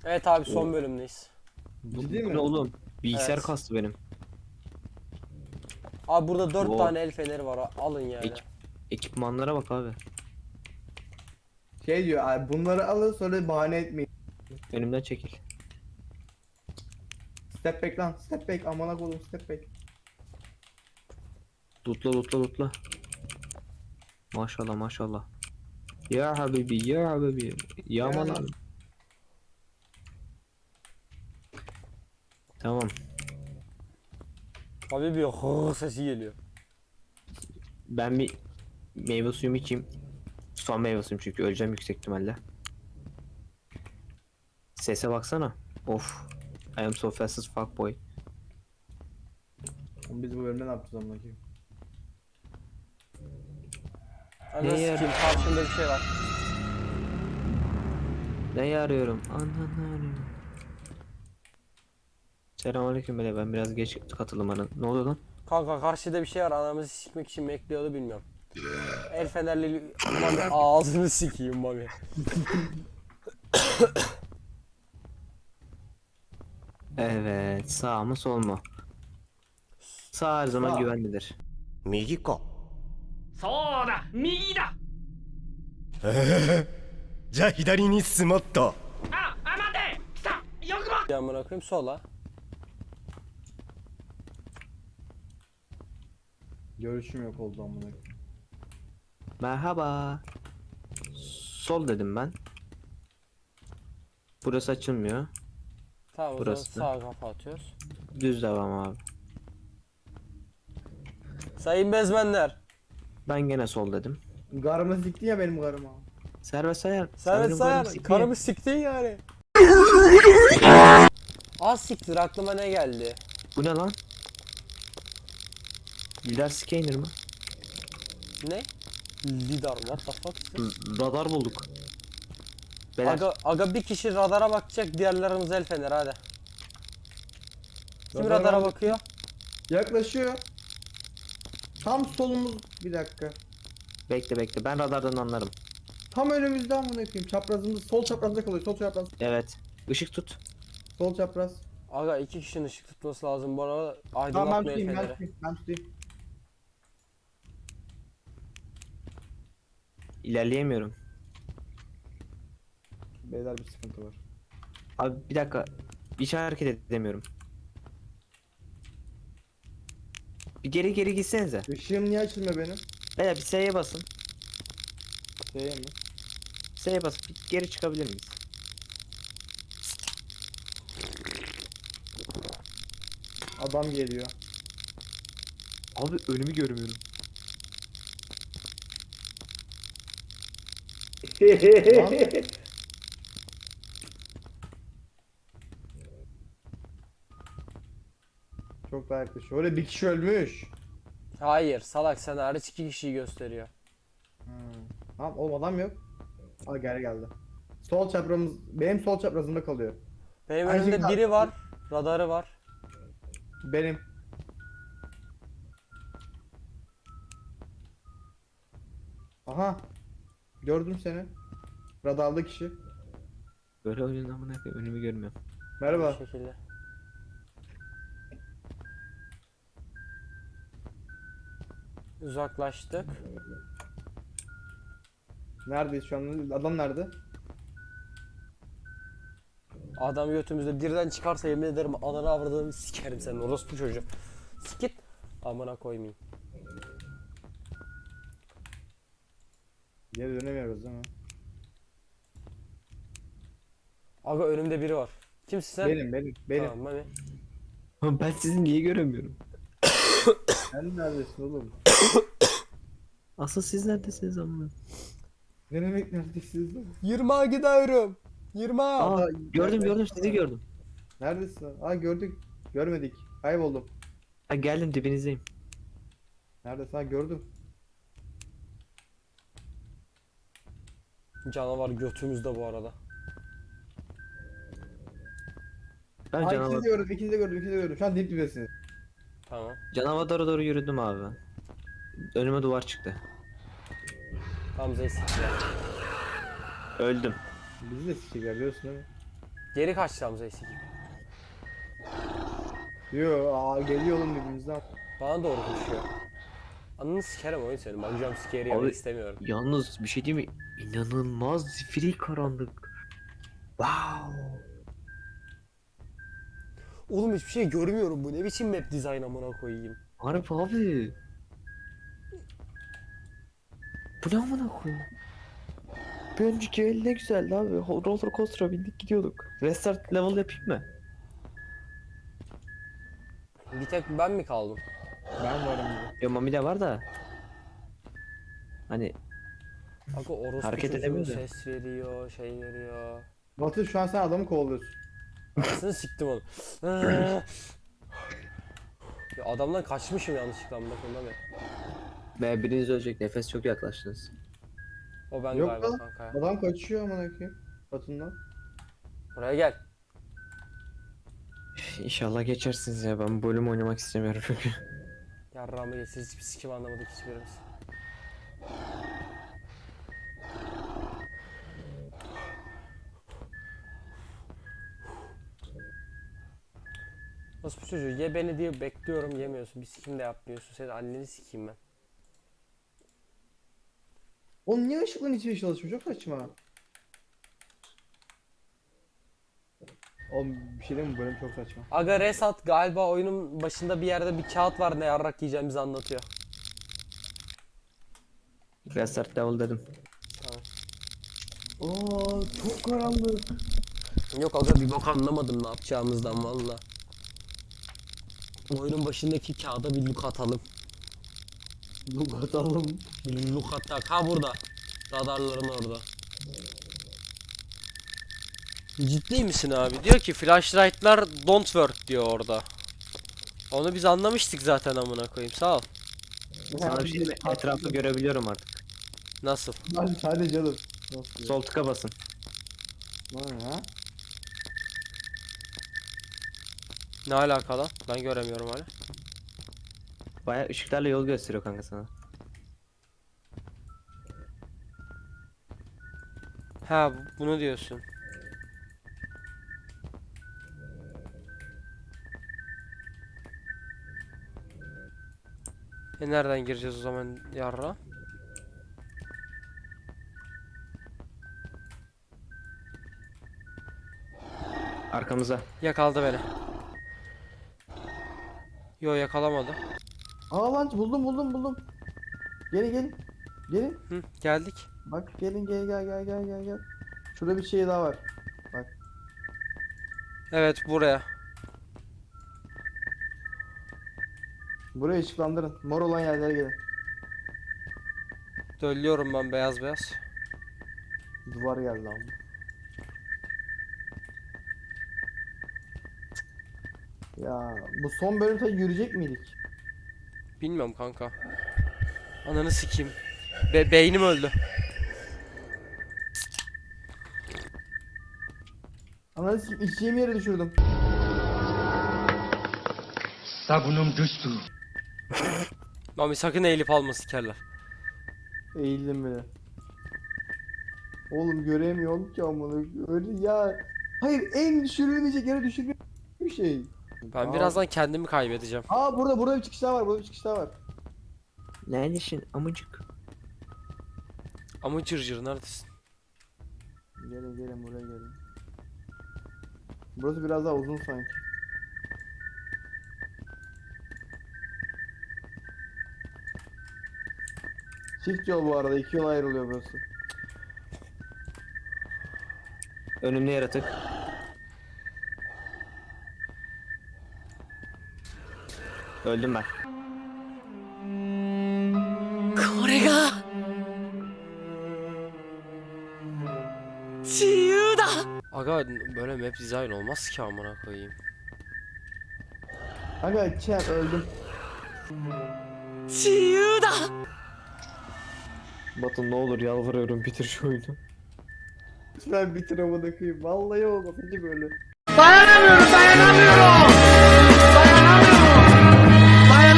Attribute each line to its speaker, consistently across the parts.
Speaker 1: Evet abi son bölümdeyiz.
Speaker 2: Ciddi
Speaker 3: Bu
Speaker 2: mi?
Speaker 3: ne oğlum? Bilgisayar
Speaker 1: Evet.
Speaker 3: kastı benim.
Speaker 1: Abi burada 4
Speaker 3: Wow.
Speaker 1: tane el feneri var, alın yani.
Speaker 3: Ekipmanlara bak abi.
Speaker 2: Şey diyor abi, bunları alın sonra bahane etmeyin.
Speaker 3: Önümden çekil.
Speaker 2: Step back lan, step back, amına koydum, step back.
Speaker 3: Lootla lootla lootla. Maşallah maşallah. Ya habibi ya habibi. Yağma
Speaker 2: Ya.
Speaker 3: lan. Tamam.
Speaker 1: Abi bir hırr sesi geliyor.
Speaker 3: Ben bir meyve suyumu içeyim. Son meyve suyum çünkü öleceğim yüksek ihtimalle. Sese baksana. Of. I am so fast as fuck boy.
Speaker 2: Biz bu bölümde ne yapacağız amına koyayım?
Speaker 1: Ananı
Speaker 3: Ne yer?
Speaker 1: sikeyim, karşımda bir şey var.
Speaker 3: Ne arıyorum? Ananı arıyorum. Selamünaleyküm beyler, ben biraz geç katıldım bana. Ne oluyor lan?
Speaker 1: Kanka karşıda bir şey var, anamızı sikmek için mi bekliyordu bilmiyorum. El fenerli Mami ağzını sikeyim Mami.
Speaker 3: Evet, sağ mı sol mu? Sağ her zaman
Speaker 2: Sağ.
Speaker 3: güvenlidir.
Speaker 4: 右か
Speaker 5: そうだ右だ
Speaker 4: じゃあ左に進もっと
Speaker 5: 待て来たよくも
Speaker 1: Bir amına koyayım sola.
Speaker 2: Görüşüm yok oldu amına koyayım.
Speaker 3: Merhaba. Sol dedim ben. Burası açılmıyor.
Speaker 1: Tamam o zaman
Speaker 3: Burası.
Speaker 1: sağa kafa atıyoruz.
Speaker 3: Düz devam abi.
Speaker 1: Sayın bezmenler.
Speaker 3: Ben gene sol dedim.
Speaker 2: Garımı siktin ya benim garıma.
Speaker 3: Servet sayar.
Speaker 1: Servet
Speaker 3: Sanırım
Speaker 1: sayar.
Speaker 3: sikmeyeyim.
Speaker 1: Karımı siktin yani. Az siktir, aklıma ne geldi?
Speaker 3: Bu ne lan? Lidar scanner mı?
Speaker 1: Ne? Lidar, what the fuck?
Speaker 3: Radar bulduk. Beyler,
Speaker 1: Aga bir kişi radara bakacak, diğerlerimiz el fener hadi. Kim
Speaker 2: Radara
Speaker 1: radara
Speaker 2: bak-
Speaker 1: bakıyor?
Speaker 2: Yaklaşıyor. Tam solumuz, bir dakika.
Speaker 3: bekle ben radardan anlarım.
Speaker 2: Tam önümüzde amına koyayım. Çaprazımız, sol çaprazda kalıyor. Sol çapraz.
Speaker 3: Evet. Işık tut.
Speaker 2: Sol çapraz.
Speaker 1: Aga iki kişinin ışık tutması lazım bu arada.
Speaker 2: Tamam, ben
Speaker 1: Aydınlatma el
Speaker 2: tutayım, ben
Speaker 1: feneri.
Speaker 2: tutayım, ben tutayım.
Speaker 3: İlerleyemiyorum.
Speaker 2: Beyler bir sıkıntı var.
Speaker 3: Abi bir dakika. Hiç hareket edemiyorum. Bir geri gitsenize.
Speaker 2: Işığım niye açılmıyor benim?
Speaker 3: Beyler bir S'ye basın.
Speaker 2: Şeye mi?
Speaker 3: S'ye basıp bir geri çıkabilir miyiz?
Speaker 2: Adam geliyor.
Speaker 3: Abi önümü görmüyorum.
Speaker 2: Lan. Çok daha yaklaşıyor. Öyle bir kişi ölmüş.
Speaker 1: Hayır salak, sen hariç iki kişiyi gösteriyor.
Speaker 2: Tamam oğlum, adam yok. Aa, geldi. Sol çaprazımız, benim sol çaprazımda kalıyor.
Speaker 1: Benim
Speaker 2: Aynı
Speaker 1: önümde
Speaker 2: şekilde-
Speaker 1: biri var. Radarı var.
Speaker 2: Benim. Aha. Gördüm seni. Radarlı kişi.
Speaker 3: Böyle oyunun amına koyayım, önümü görmüyorum.
Speaker 2: Merhaba.
Speaker 1: Bu şekilde. Uzaklaştık.
Speaker 2: Neredeyiz şu an? Adam nerede?
Speaker 1: Adam götümüzde birden çıkarsa yemin ederim ananı avradığımı sikerim senin orospu çocuğu. Sikit. Amına koymayayım.
Speaker 2: Geri dönemiyoruz değil mi?
Speaker 1: Aga önümde biri var. Kimsin sen?
Speaker 2: Benim.
Speaker 1: Tamam Mami.
Speaker 3: Ama ben sizi niye göremiyorum?
Speaker 2: Sen neredesin oğlum?
Speaker 3: Asıl siz neredesiniz amına?
Speaker 2: Ne demek neredesiniz oğlum?
Speaker 1: 20'a gidiyorum. 20'a.
Speaker 3: Aa,
Speaker 2: Aa,
Speaker 3: gördüm sizi gördüm.
Speaker 2: Neredesin? Aa, gördük. Görmedik. Kayboldum.
Speaker 3: Ha, geldim dibinizdeyim.
Speaker 2: Neredesin? Ha, gördüm.
Speaker 1: Canavar götümüzde bu arada.
Speaker 3: Ben
Speaker 2: Aa,
Speaker 3: canavar,
Speaker 2: ikinizi de gördüm. Şu an dip dibesiniz.
Speaker 1: Tamam.
Speaker 3: canavara doğru yürüdüm abi ben. Önüme duvar çıktı.
Speaker 1: Hamza'yı siktiler.
Speaker 3: Öldüm.
Speaker 2: Bizi de sikecekler biliyorsun değil mi?
Speaker 1: Geri kaçacağımıza sikeyim.
Speaker 2: Yo geliyor oğlum birbirimizden.
Speaker 1: Bana doğru koşuyor. Anını sikerim oyun senin. Bak jumpscare'i
Speaker 3: Abi-
Speaker 1: yemek istemiyorum.
Speaker 3: Yalnız bir şey diyeyim mi? İnanılmaz zifiri karanlık. Wow.
Speaker 1: Oğlum hiçbir şey görmüyorum. Bu ne biçim map design amına koyayım.
Speaker 3: Harbi abi. Bu ne amına koyayım? Bir önceki el ne güzeldi abi. Roller coaster'a bindik gidiyorduk. Restart level yapayım mı?
Speaker 1: Bir tek ben mi kaldım?
Speaker 2: Ben varım gibi.
Speaker 3: Ya Mami de var da. Hani
Speaker 1: Bak o orospu
Speaker 3: Hareket
Speaker 1: çocuğu
Speaker 3: edemiyor da.
Speaker 1: ses veriyor, şey veriyor.
Speaker 2: Batu şu an sen adamı kovalıyorsun.
Speaker 1: Anasını siktim onu. Ya adamdan kaçmışım yanlışlıkla amına koyayım abi.
Speaker 3: biriniz ölecek, nefes çok yaklaştınız.
Speaker 1: O ben
Speaker 2: Yok
Speaker 1: galiba
Speaker 2: lan.
Speaker 1: kanka ya.
Speaker 2: Adam kaçıyor amına koyayım. Batu'ndan.
Speaker 1: Buraya gel.
Speaker 3: İnşallah geçersiniz ya, ben bu bölüm oynamak istemiyorum çünkü.
Speaker 1: Yarrağımı geçsin, hiçbir sikim anlamadık hiçbirimiz. Nasıl bu çocuğu ye beni diye bekliyorum yemiyorsun, bir sikim de yapmıyorsun, senin anneni sikeyim ben.
Speaker 2: Oğlum niye ışıkların hiçbir çalışmıyor? Çok saçma. Oğlum bir şey diyeyim mi? Bu bölüm çok saçma.
Speaker 1: Aga Resat galiba oyunun başında bir yerde bir kağıt var, ne yarrak yiyeceğimizi anlatıyor.
Speaker 3: Restart level dedim.
Speaker 1: Tamam.
Speaker 2: Aa çok karanlık.
Speaker 1: Yok aga bir bok anlamadım ne yapacağımızdan valla. Oyunun başındaki kağıda bir look atalım.
Speaker 2: Look atalım.
Speaker 1: Bir look atak. Ha burada. Radarların orada. Ciddi misin abi? Diyor ki flashlight'lar don't work diyor orada. Onu biz anlamıştık zaten amına koyayım. Sağ ol.
Speaker 3: Sana bir şey diyeyim mi? Etrafı görebiliyorum artık.
Speaker 1: Nasıl?
Speaker 2: Hadi canım. Nasıl?
Speaker 3: Sol tıka basın.
Speaker 2: Ha?
Speaker 1: Ne alaka lan? Ben göremiyorum hala.
Speaker 3: Baya ışıklarla yol gösteriyor kanka sana.
Speaker 1: Ha bunu diyorsun. Nereden gireceğiz o zaman yarra?
Speaker 3: Arkamıza.
Speaker 1: Yakaladı beni. Yo yakalamadı.
Speaker 2: Aa lan buldum. Gelin. Gelin.
Speaker 1: Hı, geldik.
Speaker 2: Bak gelin gel. Şurada bir şey daha var.
Speaker 1: Evet buraya.
Speaker 2: Burayı ışıklandırın. Mor olan yerlere gelin.
Speaker 1: Döllüyorum ben beyaz beyaz.
Speaker 2: Duvar geldi ama. Ya bu son bölümde yürüyecek miydik?
Speaker 1: Bilmiyorum kanka. Ananı sikeyim. Beynim öldü.
Speaker 2: Anladın sikim içeceğim yere düşürdüm.
Speaker 5: Sabunum düştü.
Speaker 1: Mami sakın eğilip alma sikerler.
Speaker 2: Eğildim bile. Oğlum göremiyorum ki amına. Öyle ya. Hayır en düşürülmeyecek yere düşürmek bir şey.
Speaker 1: Ben
Speaker 2: Aa.
Speaker 1: birazdan kendimi kaybedeceğim.
Speaker 2: Aa burada bir çıkış daha var. Burada bir çıkış daha var.
Speaker 3: Neredesin amıcık?
Speaker 1: Ama cırcır neredesin?
Speaker 2: Gelin buraya gelin. Burası biraz daha uzun sanki. Çift yol bu arada. 2 yol ayrılıyor burası.
Speaker 3: Önümde yaratık. Öldüm ben.
Speaker 1: Aga böyle map design olmaz ki amına koyayım.
Speaker 2: Aga Çem öldüm.
Speaker 3: Batu ne olur yalvarıyorum, bitir şu oyunu.
Speaker 2: Lütfen bitir amına koyayım. Vallahi olmaz ki böyle.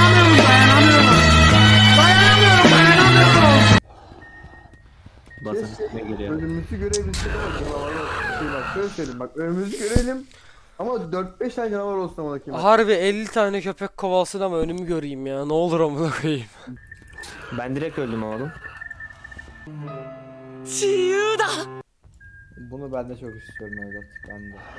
Speaker 3: Basın. üstüme geliyor.
Speaker 2: Önümüzü görebilsek ama canavar olsun. Şey bak şöyle söyleyeyim bak önümüzü görelim. Ama 4-5 tane canavar olsun ama bakayım.
Speaker 1: Harbi 50 tane köpek kovalsın ama önümü göreyim ya. Ne olur amına koyayım.
Speaker 3: Ben direkt öldüm oğlum.
Speaker 2: Bunu ben de çok istiyorum evlat. Ben de.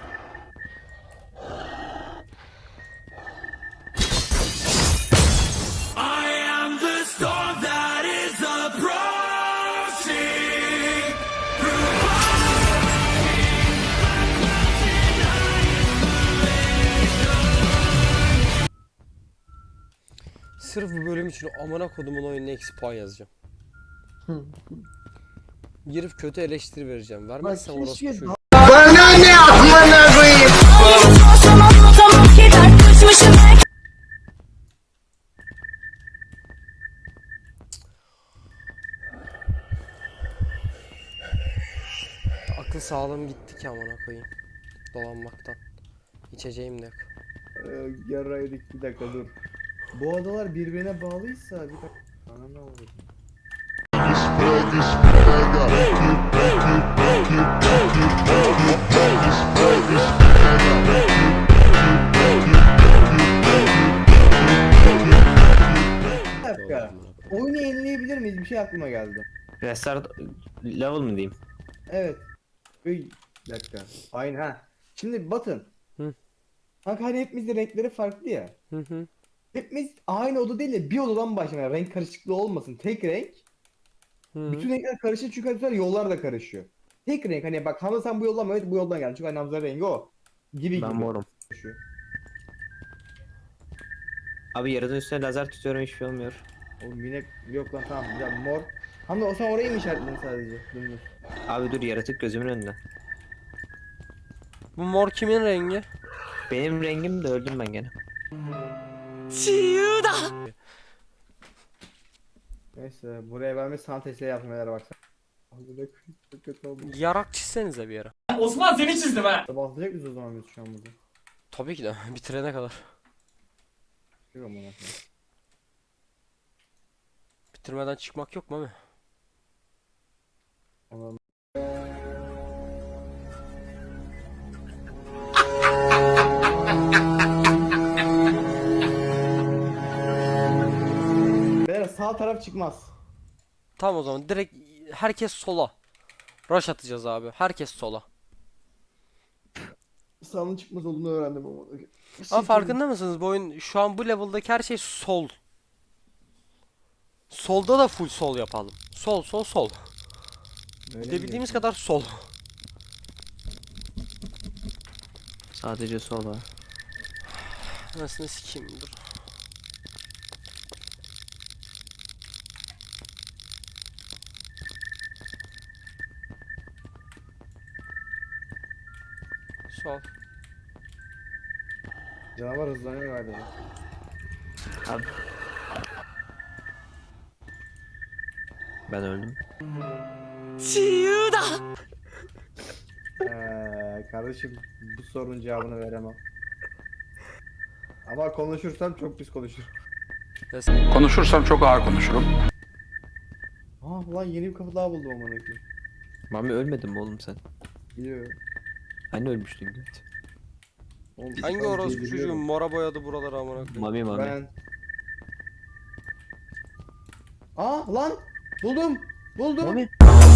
Speaker 1: Sırf bu bölüm için amına kodumun oyununa eksi puan yazacağım. Girip kötü eleştiri vereceğim. Vermezsen
Speaker 2: Bak,
Speaker 1: orospu
Speaker 2: keşke
Speaker 1: çocuğu. Akıl sağlığım gitti ki amına koyayım. Dolanmaktan. İçeceğim de yok.
Speaker 2: Yaraydık bir dakika dur. Bu adalar birbirine bağlıysa bir dakika. Bana ne oldu? Bir dakika. Oyunu yenileyebilir miyiz? Bir şey aklıma geldi.
Speaker 3: Restart level mı diyeyim?
Speaker 2: Evet. Bir dakika. Aynen ha. Şimdi bakın.
Speaker 1: Hı.
Speaker 2: Kanka hani hepimizin renkleri farklı ya.
Speaker 1: Hı hı.
Speaker 2: Hepimiz aynı oda değil de bir odadan başlamaya renk karışıklığı olmasın. Tek renk.
Speaker 1: Hı.
Speaker 2: Bütün renkler karışıyor çünkü bu sefer yollar da karışıyor. Tek renk hani bak Hamza sen bu yoldan mı? Evet bu yoldan geldin. Çünkü hani Hamza rengi o. Gibi
Speaker 3: Ben
Speaker 2: gibi.
Speaker 3: morum.
Speaker 2: Karışıyor.
Speaker 3: Abi yarıdan üstüne lazer tutuyorum hiçbir şey olmuyor.
Speaker 2: Oğlum yine yok lan tamam güzel mor. Hamza o sen orayı mı işaretledin sadece? Dümdüz.
Speaker 3: Abi dur yaratık gözümün önünde.
Speaker 1: Bu mor kimin rengi?
Speaker 3: Benim rengim de öldüm ben gene.
Speaker 2: Neyse buraya ben bir sanat eseri yaptım neler baksana. Hamza da çok kötü oldu.
Speaker 1: Yarak çizsenize bir yere.
Speaker 6: Osman seni çizdim ha.
Speaker 2: Bahsedecek miyiz o zaman biz şu an burada?
Speaker 1: Tabii ki de bitirene kadar.
Speaker 2: Yok ama nasıl?
Speaker 1: Bitirmeden çıkmak yok mu abi?
Speaker 2: Anladım. Beyler sağ taraf çıkmaz.
Speaker 1: Tamam o zaman direkt herkes sola. Rush atacağız abi. Herkes sola.
Speaker 2: Sağın çıkmaz olduğunu öğrendim ama.
Speaker 1: Ama farkında mısınız bu oyun şu an bu level'daki her şey sol. Solda da full sol yapalım. Sol sol sol. Gidebildiğimiz kadar sol.
Speaker 3: Sadece sol var.
Speaker 1: Anasını sikeyim dur. Sol.
Speaker 2: Canavar hızlanıyor galiba.
Speaker 3: Abi. Ben öldüm.
Speaker 2: Kardeşim bu sorunun cevabını veremem. Ama konuşursam çok pis konuşurum.
Speaker 6: Konuşursam çok ağır konuşurum.
Speaker 2: Aa lan yeni bir kapı daha buldum amına koyayım.
Speaker 3: Mami ölmedin mi oğlum sen?
Speaker 2: Biliyor.
Speaker 3: Hani ölmüştün göt.
Speaker 2: Oğlum,
Speaker 1: Hangi
Speaker 2: ben
Speaker 1: orospu çocuğu
Speaker 2: biliyorum.
Speaker 1: mora boyadı buraları amına koyayım.
Speaker 3: Mami Mami.
Speaker 2: Ben. Aa lan buldum. Buldum.
Speaker 3: Mami.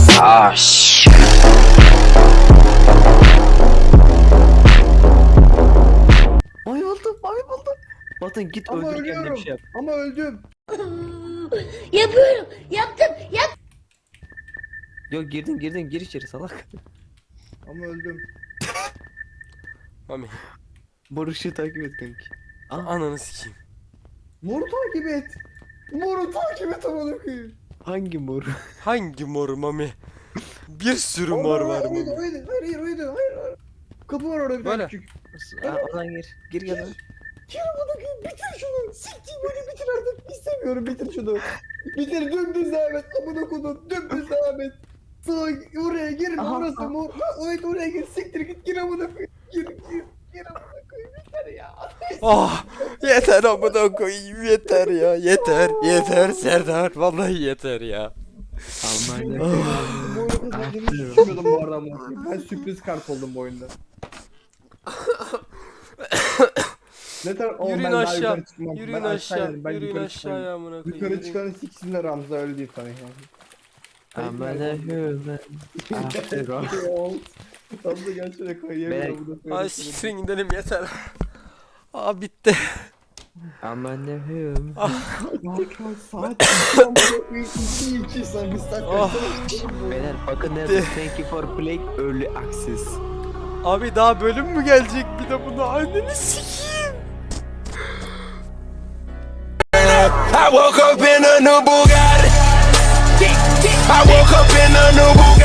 Speaker 3: Mami buldum. Mami buldum. Batın git
Speaker 2: Ama
Speaker 3: öldür kendine
Speaker 2: ölüyorum.
Speaker 3: bir şey yap.
Speaker 2: Ama öldüm.
Speaker 7: Yapıyorum. Yaptım.
Speaker 3: Yok girdin gir içeri salak.
Speaker 2: Ama öldüm.
Speaker 1: Mami.
Speaker 3: Mor ışığı takip et kanki.
Speaker 1: Ananı sikeyim.
Speaker 2: Moru takip et. Moru takip et amına koyayım.
Speaker 3: Hangi mor?
Speaker 1: Hangi mor Mami? Bir sürü mor var
Speaker 2: Oydu,
Speaker 1: Mami.
Speaker 2: oydu. Hayır. Kapı var orada bir
Speaker 1: Böyle.
Speaker 2: tane küçük.
Speaker 3: Ha, oradan gir. Gir gel lan.
Speaker 2: Gir amına koyayım bitir şunu. Siktir beni bitir artık. İstemiyorum bitir şunu. Bitir dümdüz devam et. Amına koydum dümdüz devam et. Sağa oraya girme
Speaker 3: Aha,
Speaker 2: orası
Speaker 3: aha.
Speaker 2: mor. Ha, evet oraya gir siktir git gir amına koyayım. Gir amına koyayım yeter ya.
Speaker 1: Ah yeter amına koyayım yeter ya yeter Serdar vallahi yeter ya.
Speaker 3: Almanya.
Speaker 2: Moru dediğimi hiç düşünmüyordum bu arada amına koyayım. Ben sürpriz kart oldum bu oyunda. Ne tar oğlum
Speaker 1: Yürüyün
Speaker 2: ben daha
Speaker 1: aşağı.
Speaker 2: yukarı çıkmam.
Speaker 1: Yürüyün
Speaker 2: Ben
Speaker 1: aşağı.
Speaker 2: inerim, ben
Speaker 1: Yürüyün
Speaker 2: yukarı
Speaker 1: aşağıya
Speaker 2: çıkarım.
Speaker 1: amına koyayım.
Speaker 2: Yukarı
Speaker 1: Yürüyün.
Speaker 2: çıkanın siksinler Ramza öyle diyeyim sana yani.
Speaker 3: I'm a human after all.
Speaker 2: Ramza gel şöyle koy yemin
Speaker 3: Ben-
Speaker 2: ederim bunu
Speaker 1: Ay
Speaker 2: söyleyeyim.
Speaker 1: siktirin gidelim yeter. Aa bitti.
Speaker 3: I'm a human.
Speaker 2: Arkadaşlar saat 2 sen bir saat
Speaker 1: Oh.
Speaker 3: Beyler bakın nerede? Thank you for playing early access.
Speaker 1: Abi daha bölüm mü gelecek bir de bunu anneni sikeyim.
Speaker 4: I woke up in a new Bugatti. I woke up in a new Bugatti.